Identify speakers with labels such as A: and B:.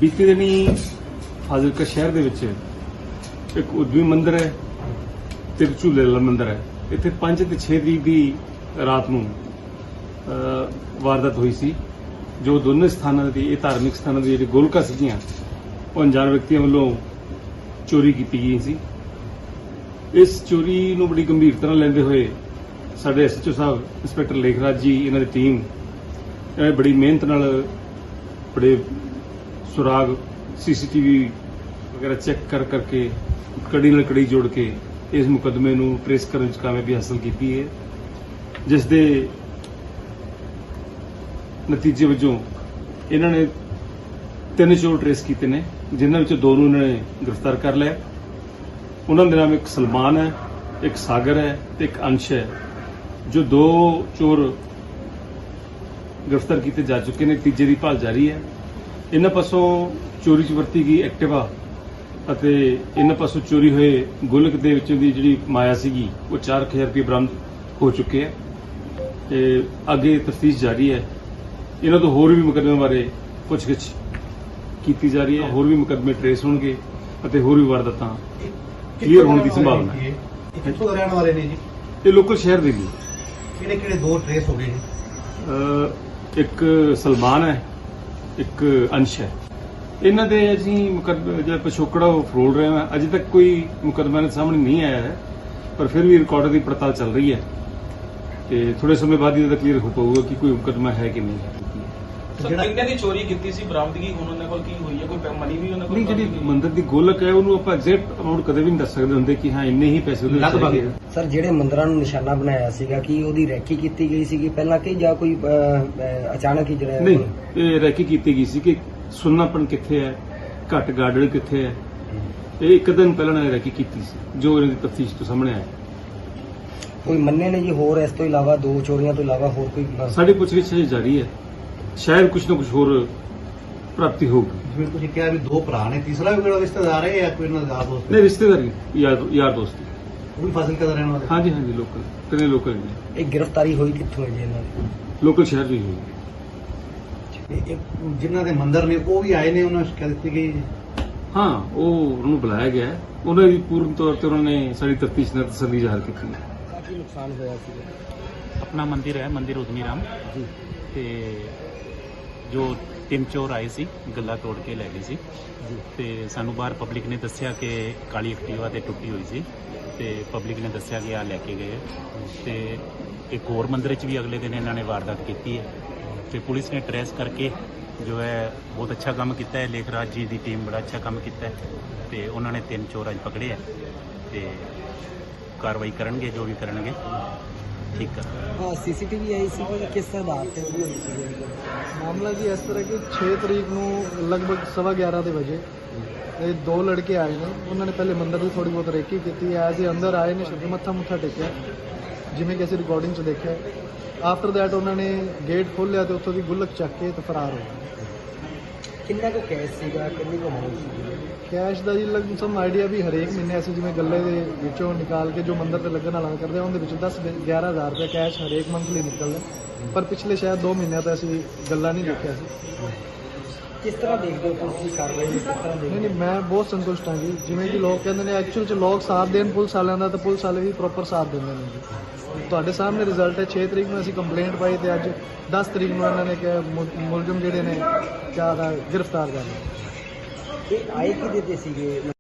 A: बीते दिनी फाजिलका शहर ਦੇ ਵਿੱਚ ਇੱਕ ਉਦਵੀ ਮੰਦਿਰ ਹੈ ਤੇ ਝੂਲੇ ਵਾਲਾ ਮੰਦਿਰ ਹੈ। ਇੱਥੇ 5 ਤੇ 6 ਤਰੀਕ ਦੀ ਰਾਤ ਨੂੰ ਵਾਰਦਾਤ ਹੋਈ ਸੀ, ਜੋ ਦੋਨੇ ਸਥਾਨਾਂ ਦੀ ਇਹ ਧਾਰਮਿਕ ਸਥਾਨਾਂ ਦੀ ਜਿਹੜੀ ਗੋਲਕਾਂ ਸੀਗੀਆਂ ਉਹ ਅਣਜਾਣ ਵਿਅਕਤੀਆਂ ਵੱਲੋਂ ਚੋਰੀ ਕੀਤੀ ਗਈ ਸੀ। ਇਸ ਚੋਰੀ ਨੂੰ ਬੜੀ ਗੰਭੀਰਤਾ ਨਾਲ ਲੈਂਦੇ ਹੋਏ ਸਾਡੇ ਐਸਐਚਓ ਸਾਹਿਬ ਇੰਸਪੈਕਟਰ ਲੇਖਰਾਜ ਜੀ, ਇਹਨਾਂ ਦੀ ਟੀਮ ਇਹਨੇ ਬੜੀ ਮਿਹਨਤ ਨਾਲ ਬੜੇ ਸੁਰਾਗ ਸੀਸੀਟੀਵੀ वगैरह चेक करके कड़ी ਨਾਲ कड़ी जोड़ के इस मुकदमे ਨੂੰ ट्रेस करने ਚ कामयाबी हासिल की है, जिस दे नतीजे वजों इन्होंने 3 चोर ट्रेस किए ने, जिन्होंने विचों 2 ਨੂੰ इन्होंने गिरफ्तार कर लिया। उन्होंने दे नाम एक सलमान है, एक सागर है ते एक अंश है। जो 2 चोर गिरफ्तार किए जा चुके हैं, तीजे की भाल जारी है। इन्होंने पासों चोरी च वरती गई एक्टिवा ਅਤੇ ਇਹਨਾਂ ਪਾਸੋਂ ਚੋਰੀ ਹੋਏ ਗੁਲਕ ਦੇ ਵਿੱਚੋਂ ਦੀ ਜਿਹੜੀ ਮਾਇਆ ਸੀਗੀ ਉਹ 4000 ਰੁਪਏ ਬਰਾਮਦ ਹੋ ਚੁੱਕੇ ਹੈ ਤੇ ਅੱਗੇ ਤਫਤੀਸ਼ ਜਾਰੀ ਹੈ। ਇਹਨਾਂ ਤੋਂ ਹੋਰ ਵੀ ਮੁਕੱਦਮੇ ਬਾਰੇ ਪੁੱਛਗਿੱਛ ਕੀਤੀ ਜਾ ਰਹੀ ਹੈ, ਹੋਰ ਵੀ ਮੁਕੱਦਮੇ ਟ੍ਰੇਸ ਹੋਣਗੇ ਅਤੇ ਹੋਰ ਵੀ ਵਾਰਦਾਤਾਂ ਕਲੀਅਰ ਹੋਣ ਦੀ ਸੰਭਾਵਨਾ ਹੈ।
B: ਕਿੱਥੋਂ ਦੇ ਰਹਿਣ ਵਾਲੇ ਨੇ ਜੀ?
A: ਇਹ ਲੋਕਲ ਸ਼ਹਿਰ ਦੇ ਨੇ।
B: ਕਿਹੜੇ ਕਿਹੜੇ 2 ਟ੍ਰੇਸ ਹੋ ਗਏ ਜੀ?
A: ਇੱਕ ਸਲਮਾਨ ਹੈ, ਇੱਕ ਅੰਸ਼ ਹੈ। ਇਹਨਾਂ ਦੇ ਅਸੀਂ ਮੁਕੱਦਮਾ ਜਿਹੜਾ ਪਿਛੋਕੜਾ ਉਹ ਫਰੋਲ ਰਹੇ ਹਾਂ। ਅਜੇ ਤੱਕ ਕੋਈ ਮੁਕੱਦਮਾ ਦੇ ਸਾਹਮਣੇ ਨਹੀਂ ਆਇਆ ਹੈ, ਪਰ ਫਿਰ ਵੀ ਰਿਕਾਰਡ ਦੀ ਪੜਤਾਲ ਚੱਲ ਰਹੀ ਹੈ ਤੇ ਥੋੜੇ ਸਮੇਂ ਬਾਅਦ ਇਹਦਾ ਕਲੀਅਰ ਹੋ ਪਾਊਗਾ ਕਿ ਕੋਈ ਮੁਕੱਦਮਾ ਹੈ ਕਿ ਨਹੀਂ ਹੈ।
C: ਜਿਹੜਾ ਕਿੰਨੇ ਦੀ ਚੋਰੀ ਕੀਤੀ ਸੀ, ਬਰਾਮਦਗੀ ਹੁਣ ਉਹਨਾਂ ਕੋਲ ਕੀ ਹੋਈ ਹੈ? ਕੋਈ ਮਨੀ ਵੀ ਉਹਨਾਂ ਕੋਲ
A: ਨਹੀਂ, ਜਿਹੜੀ ਮੰਦਰ ਦੀ ਗੋਲਕ ਹੈ ਉਹਨੂੰ ਆਪਾਂ ਐਗਜ਼ੈਕਟ ਅਮਾਉਂਟ ਕਦੇ ਵੀ ਨਹੀਂ ਦੱਸ ਸਕਦੇ ਹੁੰਦੇ ਕਿ ਹਾਂ ਇੰਨੇ ਹੀ ਪੈਸੇ ਉਹਦੇ ਵਿੱਚ ਲੱਗੇ।
D: ਸਰ, ਜਿਹੜੇ ਮੰਦਰਾਂ ਨੂੰ ਨਿਸ਼ਾਨਾ ਬਣਾਇਆ ਸੀਗਾ ਕਿ ਉਹਦੀ ਰੈਕੀ ਕੀਤੀ ਗਈ ਸੀਗੀ ਪਹਿਲਾਂ ਕਿ ਜਾਂ ਕੋਈ ਅਚਾਨਕ ਹੀ ਜਿਹੜਾ
A: ਨਹੀਂ, ਇਹ ਰੈਕੀ ਕੀਤੀ ਗਈ ਸੀ ਕਿ ਸੁੰਨਾਪਣ ਕਿੱਥੇ ਹੈ, ਘੱਟ ਗਾਰਡਨ ਕਿੱਥੇ ਹੈ। ਇਹ ਇੱਕ ਦਿਨ ਪਹਿਲਾਂ ਨੇ ਰੈਕੀ ਕੀਤੀ ਸੀ, ਜੋ ਇਹਨਾਂ ਦੀ ਤਫਤੀਸ਼ ਤੋਂ ਸਾਹਮਣੇ ਆਇਆ।
D: ਕੋਈ ਮੰਨੇ ਨੇ ਜੀ ਹੋਰ ਇਸ ਤੋਂ ਇਲਾਵਾ 2 ਚੋਰੀਆਂ ਤੋਂ ਇਲਾਵਾ ਹੋਰ ਕੋਈ?
A: ਸਾਡੀ ਪੁੱਛਗਿੱਛ ਜਾਰੀ ਹੈ, ਸ਼ਾਇਦ ਕੁਝ ਨਾ ਕੁਝ ਹੋਰ ਪ੍ਰਾਪਤੀ ਹੋਊਗੀ।
B: ਜਿਵੇਂ ਤੁਸੀਂ ਕਿਹਾ ਵੀ 2 ਭਰਾ ਨੇ, ਤੀਸਰਾ ਵੀ ਕੋਈ ਰਿਸ਼ਤੇਦਾਰ ਹੈ ਜਾਂ ਕੋਈ ਇਹਨਾਂ ਦਾ ਦੋਸਤ?
A: ਨਹੀਂ, ਰਿਸ਼ਤੇਦਾਰੀ ਯਾਰ ਦੋਸਤ।
B: ਉਹ ਵੀ ਫਾਜ਼ਿਲਕਾ ਦਾ ਰਹਿਣ ਵਾਲਾ?
A: ਹਾਂਜੀ, ਲੋਕਲ, 3 ਲੋਕਲ ਨੇ।
D: ਇਹ ਗ੍ਰਿਫਤਾਰੀ ਹੋਈ ਕਿੱਥੋਂ ਹੈ ਜੀ ਇਹਨਾਂ ਦੀ?
A: ਲੋਕਲ ਸ਼ਹਿਰ ਦੀ ਹੋਈ।
B: ਜਿਨ੍ਹਾਂ ਦੇ ਮੰਦਰ ਨੇ ਉਹ ਵੀ ਆਏ ਨੇ, ਉਹਨਾਂ ਨੂੰ ਸ਼ਿਕਾਇਤ ਦਿੱਤੀ ਗਈ ਜੀ?
A: ਹਾਂ, ਉਹਨੂੰ ਬੁਲਾਇਆ ਗਿਆ ਹੈ। ਉਹਨਾਂ ਦੀ ਪੂਰਨ ਤੌਰ ਤੇ ਉਹਨਾਂ ਨੇ ਸਾਡੀ ਤਫਤੀਸ਼ ਨਾਲ ਤਸੱਲੀ ਜ਼ਾਹਰ ਕੀਤੀ ਹੈ।
D: ਕਾਫੀ ਨੁਕਸਾਨ ਹੋਇਆ ਸੀ।
E: ਆਪਣਾ ਮੰਦਿਰ ਹੈ, ਮੰਦਿਰ ਉਦਮੀ ਰਾਮ
D: ਜੀ,
E: ਤੇ ਜੋ 3 ਚੋਰ ਆਏ ਸੀ ਗੱਲਾ ਤੋੜ ਕੇ ਲੈ ਗਏ ਸੀ
D: ਜੀ।
E: ਤੇ ਸਾਨੂੰ ਬਾਹਰ ਪਬਲਿਕ ਨੇ ਦੱਸਿਆ ਕਿ ਕਾਲੀ ਐਕਟਿਵਾ ਤੇ ਟੁੱਟੀ ਹੋਈ ਸੀ ਤੇ ਪਬਲਿਕ ਨੇ ਦੱਸਿਆ ਕਿ ਆ ਲੈ ਕੇ ਗਏ ਤੇ ਇੱਕ ਹੋਰ ਮੰਦਿਰ 'ਚ ਵੀ ਅਗਲੇ ਦਿਨ ਇਹਨਾਂ ਨੇ ਵਾਰਦਾਤ ਕੀਤੀ ਹੈ ਤੇ ਪੁਲਿਸ ਨੇ ਟ੍ਰੇਸ ਕਰਕੇ ਜੋ ਹੈ ਬਹੁਤ ਅੱਛਾ ਕੰਮ ਕੀਤਾ ਹੈ। ਲੇਖਰਾਜ ਜੀ ਦੀ ਟੀਮ ਬੜਾ ਅੱਛਾ ਕੰਮ ਕੀਤਾ ਹੈ ਤੇ ਉਹਨਾਂ ਨੇ 3 ਚੋਰ ਅੱਜ ਪਕੜੇ ਹੈ ਤੇ ਕਾਰਵਾਈ ਕਰਨਗੇ, ਜੋ ਵੀ ਕਰਨਗੇ ਠੀਕ ਹੈ।
D: ਹਾਂ, ਸੀਸੀਟੀਵੀ ਆਈ ਸੀ ਕਿ ਕਿਸ ਆਧਾਰ ਤੇ ਉਹਦੀ ਹੋਈ ਸੀ?
F: ਮਾਮਲਾ ਜੀ ਇਸ ਤਰ੍ਹਾਂ ਕਿ 6 ਤਰੀਕ ਨੂੰ ਲਗਭਗ 11:15 ਦੇ ਵਜੇ ਇਹ 2 ਲੜਕੇ ਆਏ ਨੇ। ਉਹਨਾਂ ਨੇ ਪਹਿਲੇ ਮੰਦਰ ਦੀ ਥੋੜੀ ਬਹੁਤ ਰੇਕੀ ਕੀਤੀ। ਐਜ਼ ਇਹ ਅੰਦਰ ਆਏ ਨੇ, ਸ਼ੁਰੂ ਮੱਥਾ ਟੇਕਿਆ, ਜਿਵੇਂ ਕਿ ਅਸੀਂ ਰਿਕਾਰਡਿੰਗ 'ਚ ਦੇਖਿਆ। ਆਫਟਰ ਦੈਟ ਉਹਨਾਂ ਨੇ ਗੇਟ ਖੋਲ੍ਹਿਆ ਤੇ ਉੱਥੋਂ ਦੀ ਗੁੱਲਕ ਚੱਕ ਕੇ ਤੇ ਫਰਾਰ ਹੋ ਗਏ।
D: ਕਿੰਨਾ ਕੁ ਕੈਸ਼ ਸੀਗਾ, ਕਿੰਨੀ ਕੁ ਅਮਾਉਂਟ ਸੀ?
F: ਕੈਸ਼ ਦਾ ਜੀ ਲਗਭਗ ਸਮ ਆਈਡੀਆ ਵੀ ਹਰੇਕ ਮਹੀਨੇ ਅਸੀਂ ਜਿਵੇਂ ਗੱਲੇ ਦੇ ਵਿੱਚੋਂ ਨਿਕਾਲ ਕੇ ਜੋ ਮੰਦਰ ਤੇ ਲੱਗਣ ਵਾਲਾ ਕਰਦੇ ਆ, ਉਹਦੇ ਵਿੱਚੋਂ 10-11 ਹਜ਼ਾਰ ਰੁਪਏ ਕੈਸ਼ ਹਰੇਕ ਮੰਥਲੀ ਨਿਕਲਦਾ। ਪਰ ਪਿਛਲੇ ਸ਼ਾਇਦ 2 ਮਹੀਨਿਆਂ ਤੋਂ ਅਸੀਂ ਗੱਲਾਂ ਨਹੀਂ ਦੇਖਿਆ ਸੀ।
D: ਕਿਸ ਤਰ੍ਹਾਂ ਦੇਖਦੇ ਹੋ ਤੁਸੀਂ ਕਾਰਵਾਈ ਨੂੰ? ਕਿਸ ਤਰ੍ਹਾਂ ਦੇਖਦੇ?
F: ਨਹੀਂ, ਮੈਂ ਬਹੁਤ ਸੰਤੁਸ਼ਟ ਹਾਂ ਜੀ। ਜਿਵੇਂ ਕਿ ਲੋਕ ਕਹਿੰਦੇ ਨੇ ਐਕਚੁਅਲ 'ਚ ਲੋਕ ਸਾਥ ਦੇਣ ਪੁਲਿਸ ਵਾਲਿਆਂ ਦਾ, ਤਾਂ ਪੁਲਿਸ ਵਾਲੇ ਵੀ ਪ੍ਰੋਪਰ ਸਾਥ ਦਿੰਦੇ ਨੇ ਜੀ। ਤੁਹਾਡੇ ਸਾਹਮਣੇ ਰਿਜ਼ਲਟ ਹੈ। 6 ਤਰੀਕ ਨੂੰ ਅਸੀਂ ਕੰਪਲੇਂਟ ਪਾਈ ਤੇ ਅੱਜ 10 ਤਰੀਕ ਨੂੰ ਇਹਨਾਂ ਨੇ ਕਿਹਾ ਮੁਲਜ਼ਮ ਜਿਹੜੇ ਨੇ ਜ਼ਿਆਦਾ ਗ੍ਰਿਫਤਾਰ ਕਰ ਲਏ।
D: ਇਹ ਆਏ ਕਿਹਦੇ ਤੇ ਸੀਗੇ?